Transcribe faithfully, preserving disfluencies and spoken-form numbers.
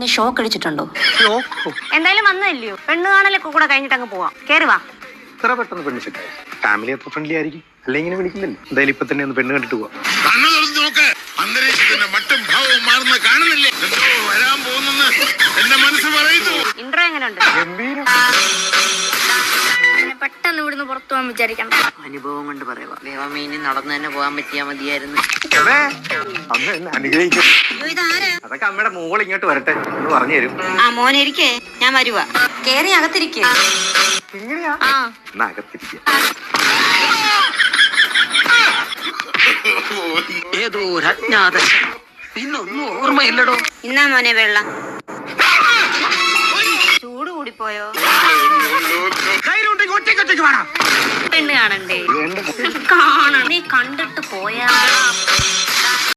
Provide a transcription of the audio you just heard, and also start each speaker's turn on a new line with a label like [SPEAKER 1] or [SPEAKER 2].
[SPEAKER 1] നീ ഷോക്ക് അടിച്ചിട്ടുണ്ടോ?
[SPEAKER 2] എന്തായാലും വന്നതല്ലയോ, പെണ്ണ് കാണലൊക്കെ കൂടെ കഴിഞ്ഞിട്ട് അങ്ങ് പോവാം. കേറി വാ.
[SPEAKER 3] ഇത്ര പെട്ടെന്ന് പെണ്ണ് സെറ്റായി. ഫാമിലി അത്ര ഫ്രണ്ട്ലി ആയിരിക്കും, അല്ലെ ഇങ്ങനെ വിളിക്കില്ലല്ലോ. എന്തായാലും ഇപ്പൊ തന്നെ ഒന്ന് പെണ്ണ് കണ്ടിട്ട് പോവാം.
[SPEAKER 4] അന്തരീക്ഷത്തിന്റെ മറ്റും ഭാവവും മാറുന്ന കാണുന്നില്ലേ? എന്തോ വരാൻ പോകുന്നെന്ന് എന്റെ മനസ്സ് പറയുന്നു.
[SPEAKER 2] ഇൻട്രോ എങ്ങനെയുണ്ട്?
[SPEAKER 5] പെട്ടെന്ന് ഇവിടുന്ന് പുറത്തു പോകാൻ വിചാരിക്കണ്ട.
[SPEAKER 1] അനുഭവം കൊണ്ട് പറയുക. ദേവമീനി നടന്നു തന്നെ പോകാൻ പറ്റിയാ മതിയായിരുന്നു.
[SPEAKER 3] അമ്മ എന്നെ അനുഗ്രഹിക്കും. അതൊക്കെ അമ്മയുടെ മോൾ ഇങ്ങോട്ട് വരട്ടെ എന്ന് പറഞ്ഞു തരും.
[SPEAKER 1] ആ മോനെ ഇരിക്കേ, ഞാൻ വരുവാ. കേറി അകത്തിരിക്കേ.
[SPEAKER 3] എങ്ങനെയാ? എന്നാ അകത്തിരിക്കുക.
[SPEAKER 1] ഏതോ ഒരു അജ്ഞാത ഇന്നൊന്നും ഓർമ്മയില്ലടോ.
[SPEAKER 2] ഇന്നാ മോനെ വെള്ളം. ചൂട് കൂടിപ്പോയോ? പെണ്ണ് കാണണ്ടേ? കാണണം. നീ കണ്ടിട്ട് പോയാ